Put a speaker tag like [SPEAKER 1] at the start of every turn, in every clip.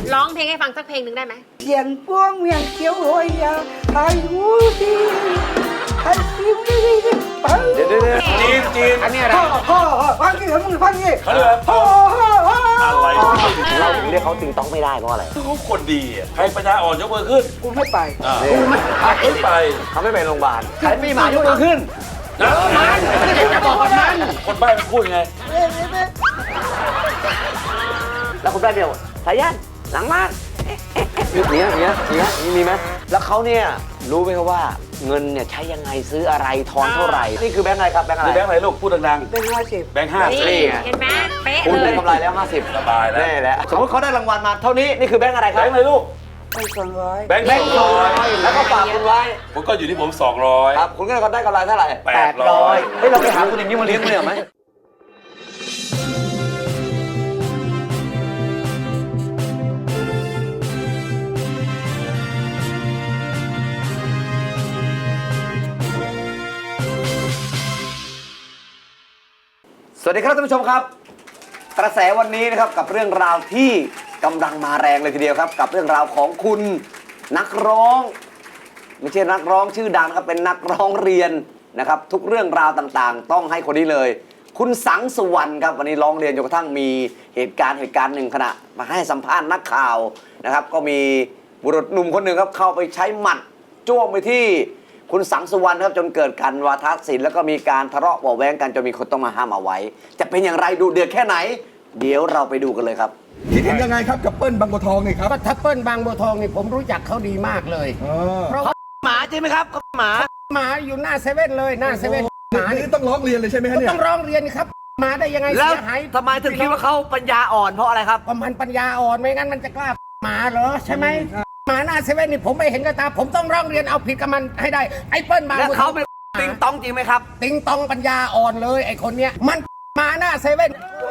[SPEAKER 1] ร้องเพลงให้ฟังสักเพลงหนึ่งได้ไหม
[SPEAKER 2] เสียงป้วงเวียงเขียวโหยยาไทยหูดีไทยซิมดีดีปัง
[SPEAKER 3] เดี๋ยวจีนอันนี้อะไร
[SPEAKER 2] พ่อฟังกี่มึงฟังกี่
[SPEAKER 3] เขาเรียกว่าพ่ออะไร
[SPEAKER 4] เราเรียกเขาติงต้องไม่ได้เพราะอะไร
[SPEAKER 3] เขาคนดีใครปัญญาอ่อนยกมือขึ้น
[SPEAKER 2] กูไม่ไป
[SPEAKER 3] กูไม่ไป
[SPEAKER 4] เขาไม่ไปโรงพยาบาล
[SPEAKER 3] ใครมีหมายกมือขึ้นนะมันจะบอกมันคนใบ้มันพูดไง
[SPEAKER 4] แล้วคุณได้เดียวสายันหลังบ้านเนี้ยมีไหมแล้วเขาเนี่ยรู้ไหมครับว่าเงินเนี่ยใช้ยังไงซื้ออะไรทอนเท่าไหร่นี่คือแบงค์อะไรครับแบงค์อะไร
[SPEAKER 3] แบงค์อะไรลูกพูดดัง
[SPEAKER 2] ๆเป็น50
[SPEAKER 3] แบงค์50
[SPEAKER 1] นี่เห็นไหมเป๊ะ
[SPEAKER 4] คุณได้
[SPEAKER 1] เลย
[SPEAKER 4] กำไรแล้ว50
[SPEAKER 3] สบายแล้ว
[SPEAKER 4] แน่แล้วสมมติเขาได้รางวัลมาเท่านี้นี่คือแบงค์อะไรครับ
[SPEAKER 3] แบงค์อะไรลูก
[SPEAKER 2] 200
[SPEAKER 3] แบงค์200
[SPEAKER 4] แล้วก็ฝากคุณไว้
[SPEAKER 3] ผมก็อยู่ที่ผม200
[SPEAKER 4] ครับคุณก็ได้กำไรเท่าไหร่
[SPEAKER 3] 800
[SPEAKER 4] เฮ้ยเราไปหาคุณอย่างนี้มาเลี้ยงคุณเหรอไหมสวัสดีครับท่านผู้ชมครับกระแสวันนี้นะครับกับเรื่องราวที่กำลังมาแรงเลยทีเดียวครับกับเรื่องราวของคุณนักร้องไม่ใช่นักร้องชื่อดังครับเป็นนักร้องเรียนนะครับทุกเรื่องราวต่างๆต้องให้คนนี้เลยคุณสังสุวรรณครับวันนี้ร้องเรียนจนกระทั่งมีเหตุการณ์หนึ่งขณะมาให้สัมภาษณ์นักข่าวนะครับก็มีบุรุษหนุ่มคนหนึ่งครับเข้าไปใช้หมัดจ้วงไปที่คุณสังสุวรรณครับจนเกิดการวาทศิลป์แล้วก็มีการทะเลาะเบาะแว้งกันจนมีคนต้องมาห้ามเอาไว้จะเป็นอย่างไรดูเดือดแค่ไหนเดี๋ยวเราไปดูกันเลยครับ
[SPEAKER 5] คิดเห็นยังไงครับกับเปิ้ลบางบัวทองนี่ครับ
[SPEAKER 6] ก็ทัพเปิ้ลบางบัวทองนี่ผมรู้จักเขาดีมากเลยเพราะ
[SPEAKER 4] หมาใช่ไหมครับห
[SPEAKER 6] มาอยู่หน้าเซเว่นเลยหน้าเซเว่นหมา
[SPEAKER 5] นี่ต้องร้องเรียนเลยใช่ไหมฮะเนี่ย
[SPEAKER 6] ต้องร้องเรียนครับมาได้ยังไง
[SPEAKER 4] แล้ว
[SPEAKER 6] เสียหาย
[SPEAKER 4] ทำไมถึงคิดว่าเขาปัญญาอ่อนเพราะอะไรครับ
[SPEAKER 6] ประมาณปัญญาอ่อนไม่งั้นมันจะกล้าหมาเหรอใช่ไหมหมาหน้าเซเว่นนี่ผมไม่เห็นกับตาผมต้องร้องเรียนเอาผิดกับมันให้ได้ไอ้เปิ้ลบางบัวทอง
[SPEAKER 4] แล้วเขาเป็นติงต้องจริงไหมครับ
[SPEAKER 6] ติงตองปัญญาอ่อนเลยไอ้คนเนี้ยมันมาหน้าเซเว่น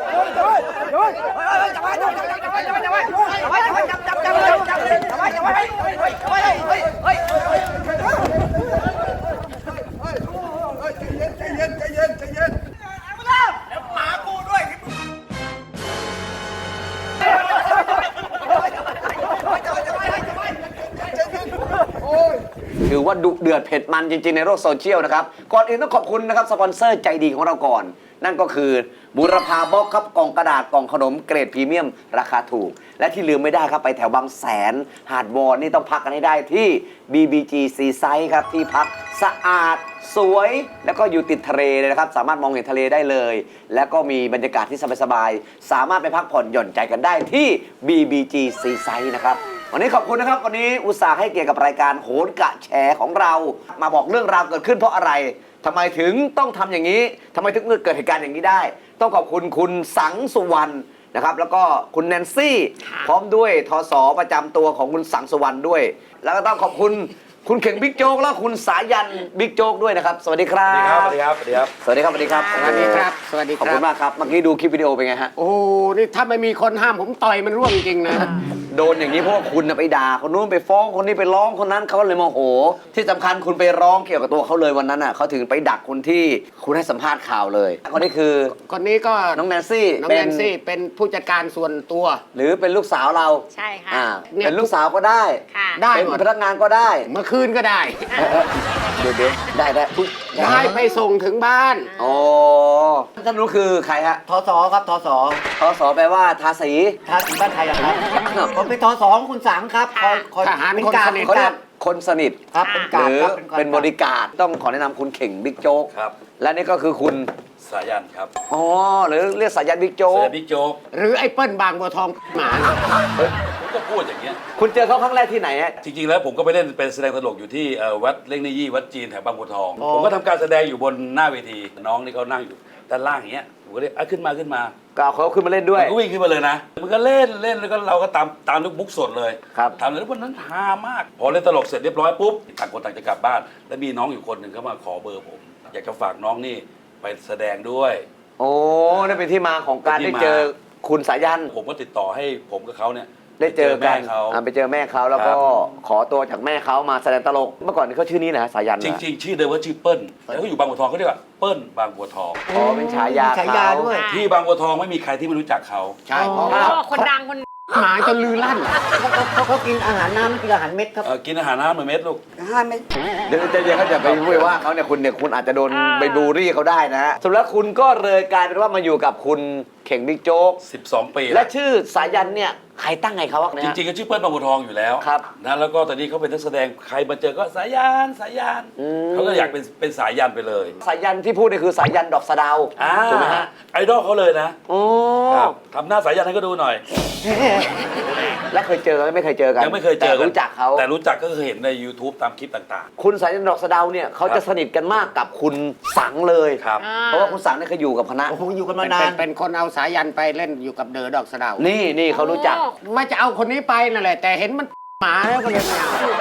[SPEAKER 4] ถือว่าดุเดือดเผ็ดมันจริงๆในโลกโซเชียลนะครับก่อนอื่นต้องขอบคุณนะครับสปอนเซอร์ใจดีของเราก่อนนั่นก็คือบุรพาบ็อกครับกล่องกระดาษกล่องขนมเกรดพรีเมียมราคาถูกและที่ลืมไม่ได้ครับไปแถวบางแสนหาดวอนนี่ต้องพักกันให้ได้ที่ BBG Seaside ครับที่พักสะอาดสวยแล้วก็อยู่ติดทะเลเลยนะครับสามารถมองเห็นทะเลได้เลยแล้วก็มีบรรยากาศที่สบายๆสามารถไปพักผ่อนหย่อนใจกันได้ที่ BBG Seaside นะครับวันนี้ขอบคุณนะครับวันนี้อุตส่าห์ให้เกียรติกับรายการโหนกะแชร์ของเรามาบอกเรื่องราวเกิดขึ้นเพราะอะไรทำไมถึงต้องทำอย่างนี้ทำไมถึงเกิดเหตุการณ์อย่างนี้ได้ต้องขอบคุณคุณสังสุวรรณนะครับแล้วก็คุณแนนซี่พร้อมด้วยทศประจำตัวของคุณสังสุวรรณด้วยแล้วก็ต้องขอบคุณคุณเข่งบิ๊กโจ๊กและคุณสายันบิ๊กโจ๊กด้วยนะครับสวัสดีครับ
[SPEAKER 3] สวัสดีครับสวัสดีครับ
[SPEAKER 4] สวัสดีครับสวัสดีครับ
[SPEAKER 6] สวัสดีครับสวัสดีค
[SPEAKER 4] ขอบ
[SPEAKER 6] รั
[SPEAKER 4] คุณมากครับเมื่อกี้ดูคลิปวิดีโอเป็นไงฮะ
[SPEAKER 6] โอ้นี่ถ้าไม่มีคนห้ามผมต่อยมันร่วงจริงนะ
[SPEAKER 4] โดนอย่างนี้เพราะว่าคุณไปด่าคนนู้นไปฟ้องคนนี้ไปร้องคนนั้นเขาเลยโมโหที่สำคัญคุณไปร้องเกี่ยวกับตัวเขาเลยวันนั้นน่ะเขาถึงไปดักคนที่คุณให้สัมภาษณ์ข่าวเลยคนนี้คือ
[SPEAKER 6] คนนี้ก็
[SPEAKER 4] น้องแนนซี่
[SPEAKER 6] น้องแนนซี่เป็นผู้จัดการส่วนตัว
[SPEAKER 4] หรือเป็นลูกสาวเรา
[SPEAKER 1] ใช่ค่ะ
[SPEAKER 4] เป็นลูกสาวก็ได้
[SPEAKER 6] ได้
[SPEAKER 4] เป็นพนักงานก็ได้
[SPEAKER 6] เมื่อคืนก็ได้
[SPEAKER 4] เดี๋ยว
[SPEAKER 6] ได้ไปส่งถึงบ้าน
[SPEAKER 4] โอ้ท่านรู้คือใครฮะ
[SPEAKER 6] ทศครับทศ
[SPEAKER 4] แปลว่าทาสี
[SPEAKER 6] บ้านไทยครับผมเป็นทศของคุณสังครับคอยทหารคนสนิท
[SPEAKER 4] เขาเรียกคนสนิท
[SPEAKER 6] ครับเป็นกาดครับ
[SPEAKER 4] เป็นบริการต้องขอแนะนำคุณเข่งบิ๊กโจ๊ก
[SPEAKER 3] ครับ
[SPEAKER 4] และนี่ก็คือคุณ
[SPEAKER 3] สายันครับ
[SPEAKER 4] อ๋อหรือเรียกสายันบิ๊กโจ๊ก
[SPEAKER 3] บิ๊กโจ๊ก
[SPEAKER 6] หรือไอ้เปิ้ลบางบัวทองหมา
[SPEAKER 3] ผมก็พูดอย่างเงี้ย
[SPEAKER 4] คุณเจอเขาครั้งแรกที่ไหนฮะ
[SPEAKER 3] จริงๆแล้วผมก็ไปเล่นเป็นแสดงตลกอยู่ที่วัดเล่งในยี่วัดจีนแถวบางบัวทองผมก็ทำการแสดงอยู่บนหน้าเวทีน้องนี่เขานั่งอยู่ด้านล่างอย่างเงี้ยผมก็เรียกขึ้นมา
[SPEAKER 4] ก็เอาเขาขึ้นมาเล่นด้วย
[SPEAKER 3] ก็วิ่งขึ้นมาเลยนะมันก็เล่นแล้วก็เราก็ตามลูกบุ๊กสดเลย
[SPEAKER 4] ครับ
[SPEAKER 3] ทำเลยวันนั้นฮามากพอเล่นตลกเสร็จเรียบร้อยปุ๊บต่างคนต่างจะกลับบ้านแล้วมีน้องอยู่คนหนึ่งเขามาขอเบอร์ผมอยากจะฝากน้องนี่ไปแสดงด้วย
[SPEAKER 4] โอ้นั่นเป็นที่มาของการได้เจอคุณสายัน
[SPEAKER 3] ผมก็ติดต่อให้ผมกับเขาเนี่ย
[SPEAKER 4] ได้เจอกันไปเจอแม่เขาแล้วก็ขอตัวจากแม่เขามาแสดงตลกเมื่อก่อนเขาชื่อนี้นะสายัน
[SPEAKER 3] จริงๆชื่อเดิมว่าชื่อเปิ้ลแล้วเขาอยู่บางบัวทองเขาเรียกว่าเปิ้ลบางบัวทอง
[SPEAKER 4] อ๋อเป็นฉายา
[SPEAKER 6] ด้วย
[SPEAKER 3] ที่บางบัวทองไม่มีใครที่ไม่รู้จักเขา
[SPEAKER 6] ใช่
[SPEAKER 1] คนดังคน
[SPEAKER 6] หมาจนลือลั่น
[SPEAKER 2] เขากินอาหารน้ำไม่กินอาหารเม็ดครับ
[SPEAKER 3] กินอาหารน้ำเหมือนเม็ดลูก
[SPEAKER 2] 5 เม็ด
[SPEAKER 4] เดี๋ยวใจเย็นเขาจะไปพูดว่าเขาเนี่ยคุณอาจจะโดนไปบูลลี่เขาได้นะฮะสุดแล้วคุณก็เลยกลายเป็นว่ามาอยู่กับคุณเข่งบิ๊กโจ๊ก
[SPEAKER 3] 12 ปี
[SPEAKER 4] และ
[SPEAKER 3] แล้ว
[SPEAKER 4] ชื่อสายันเนี่ยใครตั้งให้เขาวะเนี่ย
[SPEAKER 3] จริงๆก็ชื่อเปิ้ลบางบัวทองอยู่แล้ว
[SPEAKER 4] ครับ
[SPEAKER 3] นะแล้วก็ตอนนี้เขาเป็นนักแสดงใครมาเจอก็สายันสายันเขาก็อยากเป็นสายันไปเลย
[SPEAKER 4] สายันที่พูดนี่คือสายันดอกสะเดาว ถูกไหมฮะ
[SPEAKER 3] ไอดอลเขาเลยนะ
[SPEAKER 4] โอ้
[SPEAKER 3] ครับทำหน้าสายันให้ก็ดูหน่อย
[SPEAKER 4] และเคยเจอกันไม่เคยเจอกัน
[SPEAKER 3] ยังไม่เคยเจอ
[SPEAKER 4] แต่รู้จักเขา
[SPEAKER 3] แต่รู้จักก็คือเห็นใน YouTube ตามคลิปต่าง
[SPEAKER 4] คุณสายันดอกสะเดาวเนี่ยเขาจะสนิทกันมากกับคุณสังเลย
[SPEAKER 3] ๆครับ
[SPEAKER 4] เพราะว่าคุณสังเนี่ยเคยอยู่กับคณะ
[SPEAKER 2] โอ้โหอยู่กันมานาน
[SPEAKER 6] เป็นคนเอาสายันไปเล่นอยู่กับเดอะดอกสะเดาว
[SPEAKER 4] นี่เขารู้จัก
[SPEAKER 6] ไม่จะเอาคนนี้ไปนั่นแหละ แต่เห็นมันหมาแล้วก็เลยไม่เอา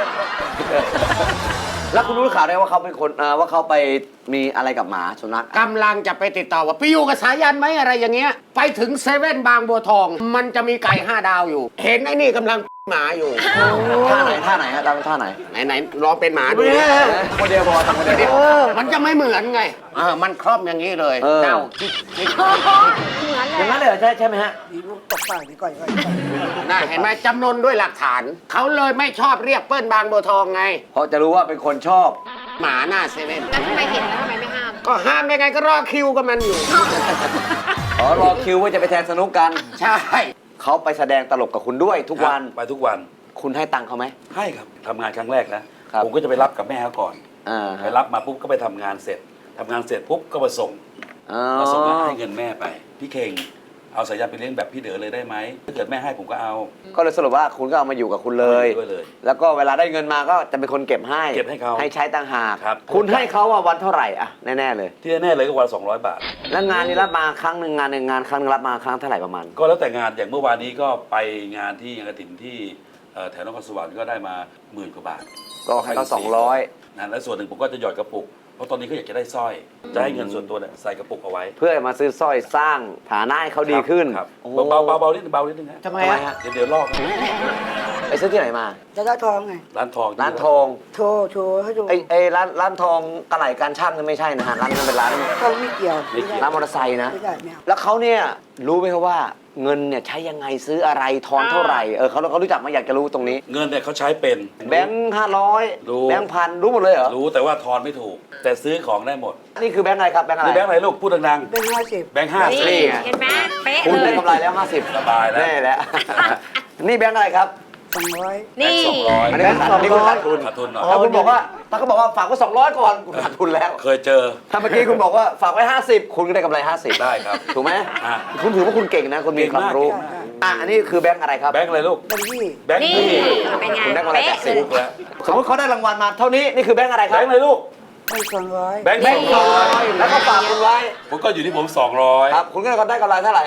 [SPEAKER 4] แล้วคุณรู้ข่าวได้ว่าเขาเป็นคนว่าเขาไปมีอะไรกับหมาสุนัข
[SPEAKER 6] กำลังจะไปติดต่อว่าไปอยู่กับสายันไหมอะไรอย่างเงี้ย ไปถึงเซเว่นบางบัวทอง มันจะมีไก่5 ดาวอยู่ เห็นไอ้นี่กำลังหมาอยู่
[SPEAKER 4] ท่าไหนฮะตามท่าไหน
[SPEAKER 6] ไหนลองเป็นหมาดูดิ
[SPEAKER 4] โมเดลพอทำโมเดลเดียว
[SPEAKER 6] มันจะไม่เหมือนไงมันครอบอย่างนี้เลย
[SPEAKER 4] เออ
[SPEAKER 6] เดา
[SPEAKER 1] เหมือน
[SPEAKER 4] อย่างนั้น
[SPEAKER 1] เล
[SPEAKER 4] เลย ยเหรอใช่ไหมฮะ
[SPEAKER 2] มีลูกตกปากนี่ก่อน
[SPEAKER 6] น่าเห็นไหมจำนวนด้วยหลักฐาน เขาเลยไม่ชอบเรียกเปิ้ลบางบัวทองไง
[SPEAKER 4] เพราะจะรู้ว่าเป็นคนชอบ
[SPEAKER 6] หมาหน้าเซเว่น
[SPEAKER 1] แล้วทำไมเห็นแล้วทำไมไม่ห้าม
[SPEAKER 6] ก็ห้ามได้ไงก็รอคิวกับมันอยู่
[SPEAKER 4] อ๋อรอคิวว่าจะไปแทนสนุกกัน
[SPEAKER 6] ใช่
[SPEAKER 4] เขาไปแสดงตลกกับคุณด้วยทุกวัน
[SPEAKER 3] ไปทุกวัน
[SPEAKER 4] คุณให้ตังค์เขาไหม
[SPEAKER 3] ให้ครับทำงานครั้งแรกนะครับ ผมก็จะไปรับกับแม่เขาก่อน
[SPEAKER 4] อ่า
[SPEAKER 3] ไปรับมาปุ๊บก็ไปทำงานเสร็จทำงานเสร็จปุ๊บก็มาส่ง
[SPEAKER 4] อ๋อ
[SPEAKER 3] มาส่งแล้วให้เงินแม่ไป พี่เข่งเอาสายันไปเลี้ยงแบบพี่เด๋อเลยได้ไหมถ้าเกิดแม่ให้ผมก็เอา
[SPEAKER 4] ก็เลยสรุปว่าคุณก็เอามาอยู่กับคุณเลย
[SPEAKER 3] ด้วยเลย
[SPEAKER 4] แล้วก็เวลาได้เงินมาก็จะเป็นคนเก็บให้
[SPEAKER 3] เก็บให้เขา
[SPEAKER 4] ให้ใช้ต่างหาก
[SPEAKER 3] ครับ
[SPEAKER 4] คุณให้เขาว่าวันเท่าไหร่อะแน่ๆเลย
[SPEAKER 3] ที่แน่ๆเลยก็วันละ200 บาท
[SPEAKER 4] แล้วงานนี้รับมาครั้งหนึ่งงานครั้งหนึงรับมาครั้งเท่าไหร่ประมาณ
[SPEAKER 3] ก็แล้วแต่งานอย่างเมื่อวานนี้ก็ไปงานที่งานกฐินที่แถวนครสวรรค์ก็ได้มา10,000 กว่าบาท
[SPEAKER 4] ก็ให้เขา200
[SPEAKER 3] นะและส่วนหนึ่งผมก็จะหยอดกระปุก เพราะตอนนี้เขาอยากจะได้สร้อย จะให้เงินส่วนตัวเนี่ยใส่กระปุกเอาไว้
[SPEAKER 4] เพื่อมาซื้อสร้อยสร้างฐานะให้เขาดีขึ้น
[SPEAKER 3] ครับ
[SPEAKER 4] โอ้
[SPEAKER 3] เบาๆนิดนึงเบานิดนึงฮะ
[SPEAKER 2] ทำไม
[SPEAKER 4] ทำไม
[SPEAKER 2] อะ
[SPEAKER 4] ฮะ
[SPEAKER 3] เดี๋ยวลอก
[SPEAKER 4] ไปซื้อที่ไหนมา
[SPEAKER 2] จะได้ทองไง
[SPEAKER 3] ร้านทอง
[SPEAKER 4] ร้านทอง
[SPEAKER 2] โชว์ให้ดู
[SPEAKER 4] ไอ้ร้านทองกระไหล่การช่างนั่นไม่ใช่นะฮะร้านนั้นเป็นร้าน
[SPEAKER 2] ทองไม่เกี่ยว
[SPEAKER 4] ร้านมอเตอร์ไซค์นะ
[SPEAKER 2] ไม่ได้ไม่เอา
[SPEAKER 4] แล้วเขาเนี่ยรู้ไหมครับว่าเงินเนี่ยใช้ยังไงซื้ออะไรทอนเท่าไหร่เขารู้จักมาอยากจะรู้ตรงนี้
[SPEAKER 3] เงินเนี่ยเขาใช้เป็น
[SPEAKER 4] แบงค์500
[SPEAKER 3] รู้
[SPEAKER 4] แบงค์พันรู้หมดเลยเหรอ
[SPEAKER 3] รู้แต่ว่าทอนไม่ถูก แต่ซื้อของได้หมด
[SPEAKER 4] นี่คือแบงค์อะไรครับแบงค์อะไร
[SPEAKER 3] นี่แบงค์อะไรลูกพูดดัง
[SPEAKER 2] เป็น50
[SPEAKER 3] ๆแบงค์50
[SPEAKER 1] นี่เห็นไหมเป๊ะ
[SPEAKER 4] คุณ
[SPEAKER 1] เล
[SPEAKER 4] ได้
[SPEAKER 1] ย
[SPEAKER 4] กำไรแล้ว50
[SPEAKER 3] สบายแล้ว
[SPEAKER 4] แน่แล้ว นี่แบงค์อะไรครับ
[SPEAKER 2] 200
[SPEAKER 1] นี่
[SPEAKER 3] 200
[SPEAKER 4] อันนี้คุณขาดทุน
[SPEAKER 3] ขาดทุนหน่อย
[SPEAKER 4] แล้วคุณบอกว่าถ้าเขาบอกว่าฝากไว้200ก่อนคุณขาดทุนแล้ว
[SPEAKER 3] เคยเจอ
[SPEAKER 4] ถ้าเมื่อกี้คุณบอกว่าฝากไว้50คุณก็ได้กำไร50
[SPEAKER 3] ได้ครับ
[SPEAKER 4] ถูกไหม
[SPEAKER 3] อ่ะ
[SPEAKER 4] คุณถือว่าคุณเก่งนะคุณมีความรู้
[SPEAKER 3] เก่งมาก
[SPEAKER 4] อันนี้คือแบงค์อะไรครับ
[SPEAKER 3] แบงค์อะไรลูก
[SPEAKER 2] เป็นที่
[SPEAKER 3] แบงค์
[SPEAKER 1] นี่
[SPEAKER 3] ที่
[SPEAKER 1] เป็นไง
[SPEAKER 4] คุณได้กำไร
[SPEAKER 1] เป๊ะ
[SPEAKER 4] 80
[SPEAKER 1] เลย
[SPEAKER 3] ถูกแล้ว
[SPEAKER 4] สมมติเขาได้รางวัลมาเท่านี้นี่คือแบงค์อะไรค
[SPEAKER 3] แบ
[SPEAKER 4] รับ
[SPEAKER 3] งค์อะไรลูก
[SPEAKER 2] เป็น200
[SPEAKER 3] แบงค์
[SPEAKER 4] แบงค์200แล้วก็ฝากคุณไว้
[SPEAKER 3] ผมก็อยู่ที่ผม200
[SPEAKER 4] ครับคุณก็ได้กำไรเท่าไหร่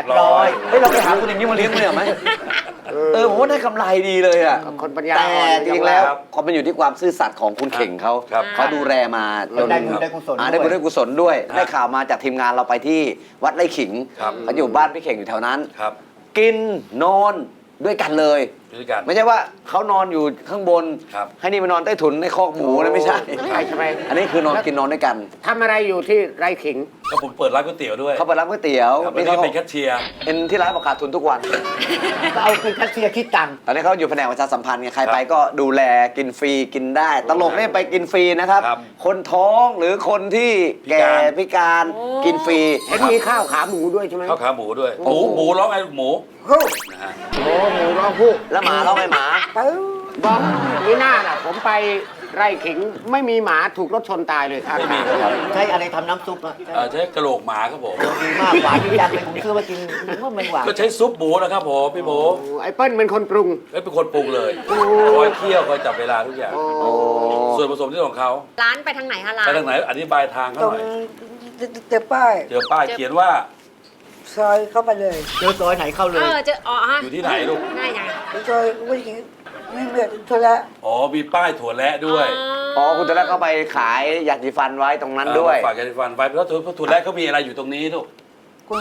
[SPEAKER 3] 800
[SPEAKER 4] เฮ้ยเราไปหาคนอย่างนี้มาเลี้ยงมันเหรอไหมผมว่าได้กำไรดีเลยอ่ะ
[SPEAKER 6] คนปัญญา
[SPEAKER 4] แต่
[SPEAKER 6] อ่อน
[SPEAKER 4] จริงๆแล้วก็มันอยู่ที่ความซื่อสัตย์ของคุณเข่งเขา
[SPEAKER 3] ครับ
[SPEAKER 4] เขาดูแลมาจน
[SPEAKER 2] ได้บุญได้กุศล
[SPEAKER 4] ได้บุญได้กุศลด้วย
[SPEAKER 3] ครับ
[SPEAKER 4] ได้ข่าวมาจากทีมงานเราไปที่วัดไร่ขิง
[SPEAKER 3] ครับ
[SPEAKER 4] เขาอยู่บ้านพี่เข่งอยู่แถวนั้น
[SPEAKER 3] ครับ
[SPEAKER 4] กินนอนด้วยกันเลย
[SPEAKER 3] ด้วยกัน
[SPEAKER 4] ไม่ใช่ว่าเขานอนอยู่ข้างบน
[SPEAKER 3] ครับ
[SPEAKER 4] ให้นี่มานอนใต้ถุนในคอกหมูนะไม่ใช่
[SPEAKER 6] ใช่ไหม
[SPEAKER 4] อันนี้คือนอนกินนอนด้วยกัน
[SPEAKER 6] ทำอะไรอยู่ที่ไรขิง
[SPEAKER 3] ก็ผมเปิดร้านก๋วยเตี๋ยวด้วย
[SPEAKER 4] เขาไปรับก๋วยเตี๋ยว
[SPEAKER 3] ครับ
[SPEAKER 4] นี่
[SPEAKER 3] นี่
[SPEAKER 4] เขา
[SPEAKER 3] เป็นแคชเชียร์
[SPEAKER 4] เป็นที่ร้านประกาศทุนทุกวัน
[SPEAKER 2] ก็เอาเป็นแคชเชียร์คิดตังค์
[SPEAKER 4] ตอนนี้เขาอยู่แผนกประชาสัมพันธ์ไงใครไปก็ดูแลกินฟรีกินได้ ตลกเนี่ยไปกินฟรีนะครับ
[SPEAKER 3] ครับ
[SPEAKER 4] คนท้องหรือคนที่แก่พิการกินฟรี
[SPEAKER 6] เห็นมีข้าวขาหมูด้วยใช่ไหม
[SPEAKER 3] ข้าวขาหมูด้วย หมูร้องไงลูกหมู
[SPEAKER 2] โอ้
[SPEAKER 3] นะฮะ
[SPEAKER 6] โอ้หมูร้องผู้
[SPEAKER 4] แล้วหมาร้องไงหมา
[SPEAKER 2] ปึ๊บ
[SPEAKER 6] บอกนี่หน้าน่ะผมไปไร่ขิงไม่มีหมาถูกรถชนตายเลยครับ
[SPEAKER 3] ไม่มีครับ
[SPEAKER 2] ใช้อะไรทำน้ำซุปอะ
[SPEAKER 3] ใช้กระโหลกหมาครับผม
[SPEAKER 2] ดีมากหวานดีจังเลยผมซื้อมากินนึกว่ามันหวาน
[SPEAKER 3] ก็ใช้ซุปหมูนะครับผมพี่หมู
[SPEAKER 6] โอ้ไอ้เปิ้ลเป็นคนปรุง
[SPEAKER 3] เป็นคนปรุงเลยคอยเคี่ยวคอยจับเวลาทุกอย่าง
[SPEAKER 4] โอ้
[SPEAKER 3] ส่วนผสมที่ของเขา
[SPEAKER 1] ร้านไปทางไหนคะร้าน
[SPEAKER 3] ไปทางไหนอธิบายทางเขา
[SPEAKER 2] ตร
[SPEAKER 3] ห
[SPEAKER 2] ง
[SPEAKER 3] น่อย
[SPEAKER 2] เจอป้าย
[SPEAKER 3] เจอป้ายเขียนว่า
[SPEAKER 2] ซอยเข้าไปเลยเจอซอยไหนเข้าเล
[SPEAKER 1] เอย อเจออ๋อฮะ
[SPEAKER 3] อยู่ที่ไหนลูก
[SPEAKER 1] ง่ายยัง
[SPEAKER 2] ซอยไม่ถึงไม่เหมือนโทรละ
[SPEAKER 3] อ๋อมีป้ายถั่วแระด้วย
[SPEAKER 4] อ๋อคุณตอนแรกเขาไปขายยาสีฟันไว้ตรงนั้นด้วย
[SPEAKER 3] ฝากยาสีฟันไว้เพราะถั่วแระเขามีอะไรอยู่ตรงนี้ลูก
[SPEAKER 2] คุณ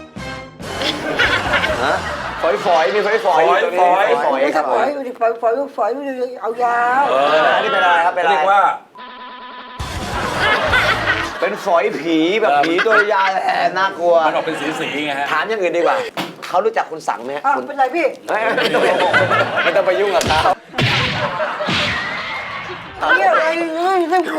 [SPEAKER 4] ฮะฝอยมีฝอย
[SPEAKER 3] ฝอย
[SPEAKER 4] ฝอยครับ
[SPEAKER 2] ฝอยอยู่ดิฝอยเอายาว
[SPEAKER 4] นี่เป็นอะไรครับเป็นอะไร
[SPEAKER 3] เรียกว่า
[SPEAKER 4] เป็นฝอยผีแบบผีตัวยาวน่ากลัว
[SPEAKER 3] มันออกเป็นสีๆไงฮะ
[SPEAKER 4] ถามอย่างอื่นดีกว่าเขารู้จักคุณสังไหมฮะ
[SPEAKER 2] อ้าว
[SPEAKER 4] คุณ
[SPEAKER 2] เป็นไรพี่
[SPEAKER 4] ไม่ต้องไปยุ่งกับเขา
[SPEAKER 2] เนี่ยอะไรเฮ้ยเรื่องไหน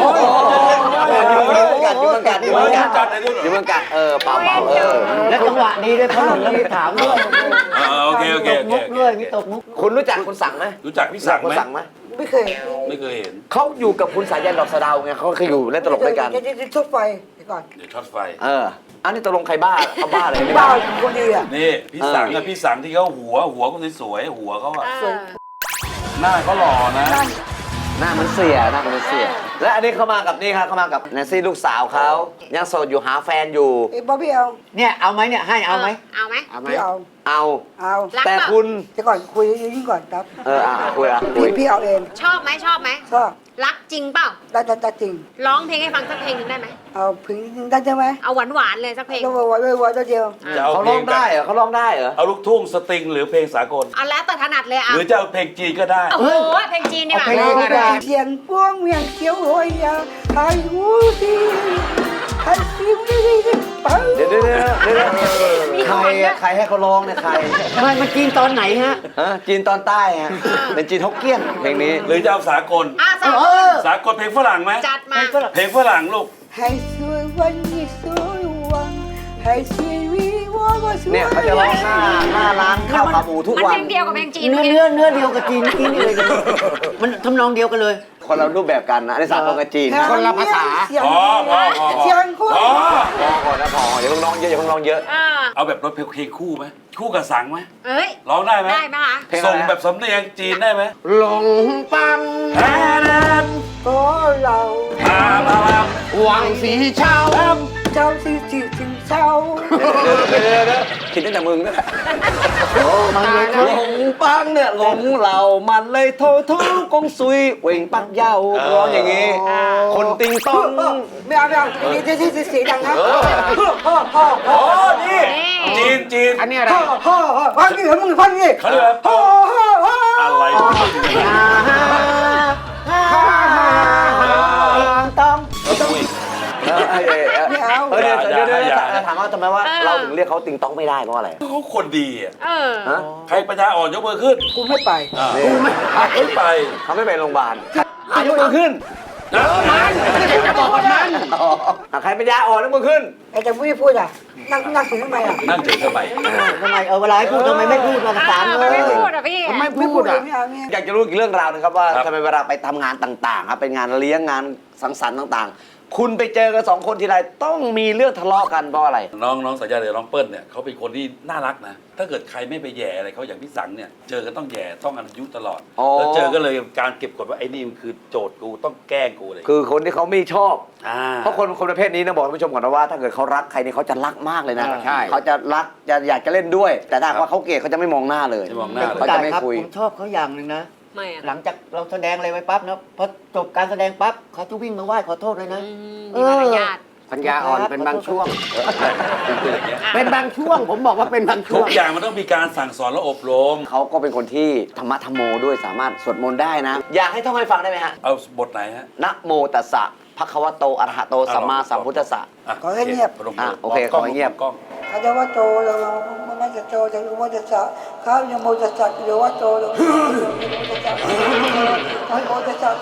[SPEAKER 4] อยู่เมืองกันอยู่เมืองกันอยู่เมืองกันเปล่า
[SPEAKER 7] และจังหวะนี้ด้วยเขาหลงมีถามด้วย
[SPEAKER 3] โอเคโอเค
[SPEAKER 7] ตกมุกด้วยมีตกมุก
[SPEAKER 4] คุณรู้จักคุณสังไหม
[SPEAKER 3] รู้จักพี่สัง
[SPEAKER 4] คุณ
[SPEAKER 3] ไหม
[SPEAKER 4] สังไหม
[SPEAKER 2] ไม่เคย
[SPEAKER 3] ไม่เคยเห็น
[SPEAKER 4] เขาอยู่กับคุณสายันดอกสะเดาไงเขาเคยอยู่เล่นตลกด้วยกัน
[SPEAKER 2] จะทุบไฟเดี๋ยวก่อน
[SPEAKER 3] เดี๋ยวช็อตไฟ
[SPEAKER 4] อันนี้ตกลงใครบ้าเขาบ้าอะไรไม่
[SPEAKER 2] บ้า
[SPEAKER 4] บ้า
[SPEAKER 2] คนดีอ่ะ
[SPEAKER 3] นี่พี่สังอะพี่สังที่เขาหัวก็สวยๆหัวเขาอะ
[SPEAKER 1] เออ
[SPEAKER 3] หน้าเขาหล่อนะ
[SPEAKER 4] หน้ามันเสียหน้ามันเสียและอันนี้เขามากับนี่ครับเขามากับแนนซี่ลูกสาวเขายังโสดอยู่หาแฟนอยู่
[SPEAKER 2] ไอ้บ๊อบบี้เอา
[SPEAKER 7] เนี่ยเอาไหมเนี่ยให้เอาไหม
[SPEAKER 1] เอาไหม
[SPEAKER 7] เอาไหม
[SPEAKER 2] พี่เอา
[SPEAKER 4] เอา
[SPEAKER 2] เอา
[SPEAKER 1] รัก
[SPEAKER 4] แต่
[SPEAKER 1] เปล่า
[SPEAKER 4] คุณ
[SPEAKER 2] เดี๋ยวก่อนคุยยิ่งก่อนครับ
[SPEAKER 4] คุย
[SPEAKER 2] พี่เอาเอง
[SPEAKER 1] ชอบไหมชอบไหม
[SPEAKER 2] ชอบ
[SPEAKER 1] รักจริงเปล่า
[SPEAKER 2] ได้จริง
[SPEAKER 1] ร้องเพลงให้ฟังสักเพลงหนึ่งได้ไหม
[SPEAKER 2] เอาพึงได้ใช่ไหม
[SPEAKER 1] เอาหวานๆเลยสักเพลง
[SPEAKER 2] ต้องไว้ตัวเดียว
[SPEAKER 3] จะเอา
[SPEAKER 4] เขา
[SPEAKER 3] เพล
[SPEAKER 4] ร้อง ง
[SPEAKER 3] แบ
[SPEAKER 4] ได้
[SPEAKER 3] บ
[SPEAKER 4] เหรอเขาร้องได้เหรอ
[SPEAKER 3] เอาลูกทุ่งสตริงหรือเพลงสากล
[SPEAKER 1] เอาแล้วแต่ถนัดเลย
[SPEAKER 3] ห
[SPEAKER 1] อ่ะ
[SPEAKER 3] รือจะเอาเพลงจีนก็ได้
[SPEAKER 1] โอ้โหเพลงจีนดีกว่า
[SPEAKER 2] เสียงพวงเวียงเขียวโหยยาไอ้หูดีไอ้ซิมดีปัง
[SPEAKER 4] เดี๋ยวใครให้เขาร้องเนี่ยใคร
[SPEAKER 7] ไม่มันกินตอนไหนฮะ
[SPEAKER 4] จีนตอนใต้ฮะเป็นจีนฮกเกี้ยนเพลงนี้
[SPEAKER 3] หรือจะเอาสากล
[SPEAKER 1] อ่ะสาว
[SPEAKER 3] สากลเพลงฝรั่งไหม
[SPEAKER 1] จัดมา
[SPEAKER 3] เพลงฝรั่งลูก
[SPEAKER 2] ให้สวยวันนี้สวยวันให้สวยวีว่าสวย
[SPEAKER 4] เนี่ยเขาจะร้องหน้าร้านข้าวขาหมูทุก
[SPEAKER 1] มัน
[SPEAKER 4] วั
[SPEAKER 1] เพ
[SPEAKER 4] น
[SPEAKER 1] ลงเดียวกับเพลงจีน
[SPEAKER 7] เนื้อเดียวกับจีนกินเลยมันทำนองเดียวกันเลย
[SPEAKER 4] คนเรารูปแบบกันนะในสากลกับจีน
[SPEAKER 7] คนละภาษา
[SPEAKER 2] เสียง
[SPEAKER 3] พอ
[SPEAKER 2] เสียงคุณ
[SPEAKER 3] พอ
[SPEAKER 4] พอนะพออย่าเพิ่งร้องเยอะอย่าเพิ่งร้องเยอะ
[SPEAKER 1] อ่า
[SPEAKER 3] เอาแบบรถเพลงคู่ไหมคู่กับสังไหม
[SPEAKER 1] เอ้ย
[SPEAKER 3] ร้องได้ไหม
[SPEAKER 1] ได้ไหมคะ
[SPEAKER 4] เพลงอะไร
[SPEAKER 3] ส่งแบบสำเนียงจีนได้ไหม
[SPEAKER 7] หลงปัง
[SPEAKER 3] แอน
[SPEAKER 2] ก็เรา
[SPEAKER 3] พามาล
[SPEAKER 7] หวังสีเช้า
[SPEAKER 2] เจ้าสิถึงเช้า
[SPEAKER 4] คิดตั้งแต่มึงนั่นแหละ
[SPEAKER 7] มันเลย
[SPEAKER 4] หลงปังเนี่ยหลงเรามันเลยโทษกงซุยเว่งปักเย้าร้องอย่างงี้ คนติงต้อง
[SPEAKER 2] ไม่เอานี่ที่เสียงดังนะ
[SPEAKER 3] ำโอ้นี่จีน
[SPEAKER 7] อันนี้อะไร
[SPEAKER 2] ฟังนี่มึงฟังนี่
[SPEAKER 3] เขาเรียกว่าอะไร
[SPEAKER 7] ต้อง
[SPEAKER 3] อุ้ย
[SPEAKER 2] ไม่เอา
[SPEAKER 4] เดี๋ยวถามว่าทำไมว่าเราถึงเรียกเขาติงต้องไม่ได้เพราะอะไร
[SPEAKER 3] เขาคนดีอ่ะ
[SPEAKER 1] เออ
[SPEAKER 4] ฮะ
[SPEAKER 3] ใครปัญญาอ่อนยกมือขึ้น
[SPEAKER 2] กูไม่ไป
[SPEAKER 3] ไม่ไป
[SPEAKER 4] เขาไม่ไปโรงพยาบาลยกมือขึ้น
[SPEAKER 7] จะบอกว่ามัน
[SPEAKER 4] ใครเป็นยาอ่อนยกมือขึ้น
[SPEAKER 2] แต่ไม่พูดอ่ะนั่งถึงทำไมอ่ะ
[SPEAKER 3] นั่งเฉยทำไม
[SPEAKER 7] ทำไมเวลาให้พูดทำไมไม่พูดมาสาม
[SPEAKER 1] ทำ
[SPEAKER 7] เล
[SPEAKER 1] ไม
[SPEAKER 7] ย
[SPEAKER 1] ไม่พูดอ่ะพี่
[SPEAKER 7] ทำไม
[SPEAKER 2] ไม่
[SPEAKER 7] พู
[SPEAKER 2] พู
[SPEAKER 7] ด
[SPEAKER 2] ด
[SPEAKER 7] อ่ะ
[SPEAKER 2] ไม่เอาเนี่ย
[SPEAKER 4] อยากจะรู้อีกเรื่องราวนะครับว่าทำไมเวลาไปทำงานต่างๆครับเป็นงานเลี้ยงงานสังสรรค์ต่างๆ คุณไปเจอกันสองคนทีไรต้องมีเรื่องทะเลาะกันเพราะอะไร
[SPEAKER 3] น้องสัญญาเดี๋ยวน้องเปิ้ลเนี่ยเขาเป็นคนที่น่ารักนะ ถ้าเกิดใครไม่ไปแย่อะไรเขาอย่างพี่สังเนี่ยเจอกันต้องแย่ต้องอายุตลอด
[SPEAKER 4] อ๋อ
[SPEAKER 3] แล้วเจอก็เลยการเก็บกดว่าไอ้นี่มันคือโจทย์กูต้องแกล้งกูเลย
[SPEAKER 4] คือคนที่เขาไม่ชอบ
[SPEAKER 3] า
[SPEAKER 4] เพราะคนประเภทนี้นะบอกท่านผู้ชมก่อนนะว่าถ้าเกิดเขารักใครเนี่ยเขาจะรักมากเลยนะ
[SPEAKER 7] ใช่
[SPEAKER 4] เขาจะรักจะอยากจะเล่นด้วย แต่ถ้าหากว่าเขาเกลียดเขาจะไม่มองหน้าเลย
[SPEAKER 3] จะมองหน้า
[SPEAKER 4] เขาจะไม่คุย
[SPEAKER 7] ผมชอบเขาอย่างหนึ่งนะ
[SPEAKER 1] ไม่อ่ะ
[SPEAKER 7] หลังจากเราแสดงอะไรไว้ปั๊บนะพอจบการแสดงปั๊บเขาจะวิ่งมาไหว้ขอโทษเลยนะ
[SPEAKER 1] มีมารยาท
[SPEAKER 7] ปัญญาอ่อนเป็นบางช่วง
[SPEAKER 3] คืออย่างเงี้ย
[SPEAKER 7] เป็นบางช่วง ผมบอกว่าเป็นบางช่
[SPEAKER 3] ทุ
[SPEAKER 7] ว
[SPEAKER 3] ก
[SPEAKER 7] ง
[SPEAKER 3] อย่างมันต้องมีการสั่งสอนและอบรม
[SPEAKER 4] เขาก็เป็นคนที่ธรรมะธรรมโมด้วยสามารถสวดมนต์ได้นะ อยากให้ท่องให้ฟังได้ไหมฮะ
[SPEAKER 3] เอาบทไหนฮะ
[SPEAKER 4] นะโมตัสสะภะคะวะโตอะระหะโตสัมมาสัมพุทธัสสะ
[SPEAKER 3] ะ
[SPEAKER 2] ขอให้เงียบ
[SPEAKER 3] พนมมื
[SPEAKER 4] โอเค
[SPEAKER 3] กล้
[SPEAKER 4] ขอให้เงียบ
[SPEAKER 3] กล้อง
[SPEAKER 2] เขาจะว่าโตเราไม่จะโตจะรู้ว่าจะสะเขายังโมจะสักหรือว่าโตเราเขาโมจะสัก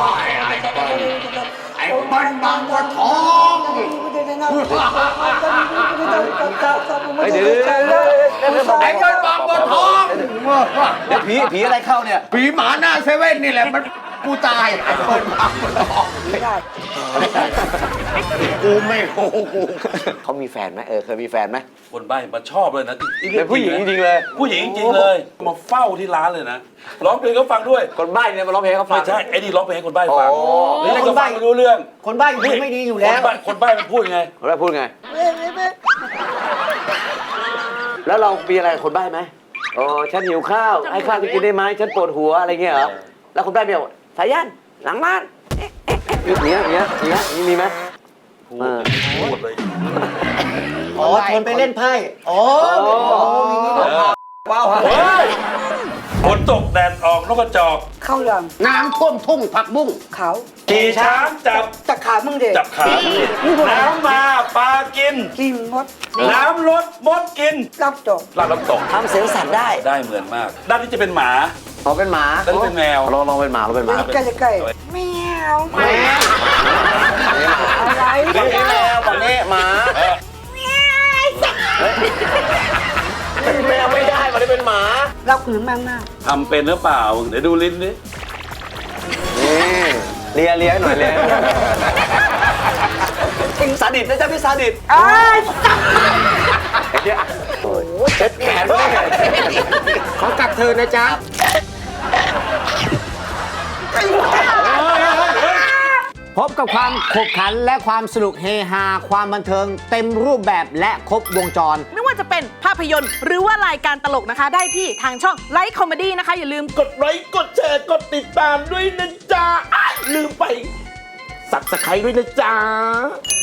[SPEAKER 2] ไอ้บ้านบางบัวทอง
[SPEAKER 4] เฮ้ยเดี๋ยวไอ้บ้านบางบัวทองเดี๋ยวผีอะไรเข้าเนี่ย
[SPEAKER 7] ผีหมาหน้าเซเว่นนี่แหละมันกูตายเปิดปากมันออก
[SPEAKER 2] ไม่ได้
[SPEAKER 7] กูไม่โอ้กู
[SPEAKER 4] เขามีแฟนไหมเคยมีแฟนไหม
[SPEAKER 3] คนใบ้มาชอบเลยนะ
[SPEAKER 4] เป็นผู้หญิงจริงๆเลย
[SPEAKER 3] ผู้หญิงจริงๆเลย มาเฝ้าที่ร้านเลยนะร้องเพลงเขาฟังด้วย
[SPEAKER 4] คนใบ้เนี่ยมาร้องเพลงให้เขาฟั
[SPEAKER 3] ไม่
[SPEAKER 4] ง
[SPEAKER 3] ใช่ไอ้นี่ร้องเพลงให้คนใบ้ฟัง
[SPEAKER 4] โอ้
[SPEAKER 3] แล้วนี่ก็ฟังไม่รู้เรื่อง
[SPEAKER 7] คนบ้าพูดไม่ดีอยู่แล้ว
[SPEAKER 3] คนใบ้มันพูดยังไง
[SPEAKER 4] คนใบ้พูดไง แล้วเรามีอะไรกับคนใบ้ไหมอ๋อฉันหิวข้าวให้ข้าวกินได้ไหมฉันปวดหัวอะไรเงี้ยเหรอแล้วคนใบ้มีบอกสายันหลังบ้านเนี้ยมีไหม
[SPEAKER 3] พูดเลย
[SPEAKER 7] อ๋อชวนไปเล่นไพ่อ๋อมีนี่ด้วย
[SPEAKER 4] ว้าว
[SPEAKER 3] เฮ้ยฝนตกแดดออกนกกระจอก
[SPEAKER 2] เข้าหลัง
[SPEAKER 6] น้ำท่วมทุ่งผักบุ้ง
[SPEAKER 2] เขา
[SPEAKER 3] ขี่ช้างจับ
[SPEAKER 2] ตะขามึงเด็ก
[SPEAKER 3] จับขาน้ำมาปลากิน
[SPEAKER 2] กินมด
[SPEAKER 3] น้ำลดมดกิน
[SPEAKER 2] รับจบ
[SPEAKER 3] ลาดน้ำตก
[SPEAKER 4] ทำเสียงสัตว์ได้
[SPEAKER 3] ได้เหมือนมาก ด้านนี้จะเป็นหมา
[SPEAKER 4] ขอเป็นหมา
[SPEAKER 3] ด้านนี้เป็นแมว
[SPEAKER 4] ลองเป็นหมาเราเป็นหมา
[SPEAKER 2] ใกล้ใกล้แมวอะไร
[SPEAKER 4] ฝั่งนี้แมวฝั่งนี้หมาเป็นแมวไม่ได้มันได้เป็นหมา
[SPEAKER 2] รับหืนมากมาก
[SPEAKER 3] ทำเป็นหรือเปล่า เดี๋ยวดูลิ้นดิ
[SPEAKER 4] นี่เลียหน่อยเลียซาดิสนะจ๊ะพี่ซาดิส
[SPEAKER 2] อ้าย
[SPEAKER 4] เช็ดแขนด้วย
[SPEAKER 6] ขอกับเธอนะจ๊ะ พบกับความขบขันและความสนุกเฮฮาความบันเทิงเต็มรูปแบบและครบวงจร
[SPEAKER 8] ไม่ว่าจะเป็นภาพยนตร์หรือว่ารายการตลกนะคะ ได้ที่ทางช่องไลฟ์คอมเมดี้นะคะ อย่าลืม
[SPEAKER 9] กดไลค์กดแชร์กดติดตามด้วยนะจ๊ะลืมไปสับสไครด้วยนะจ๊ะ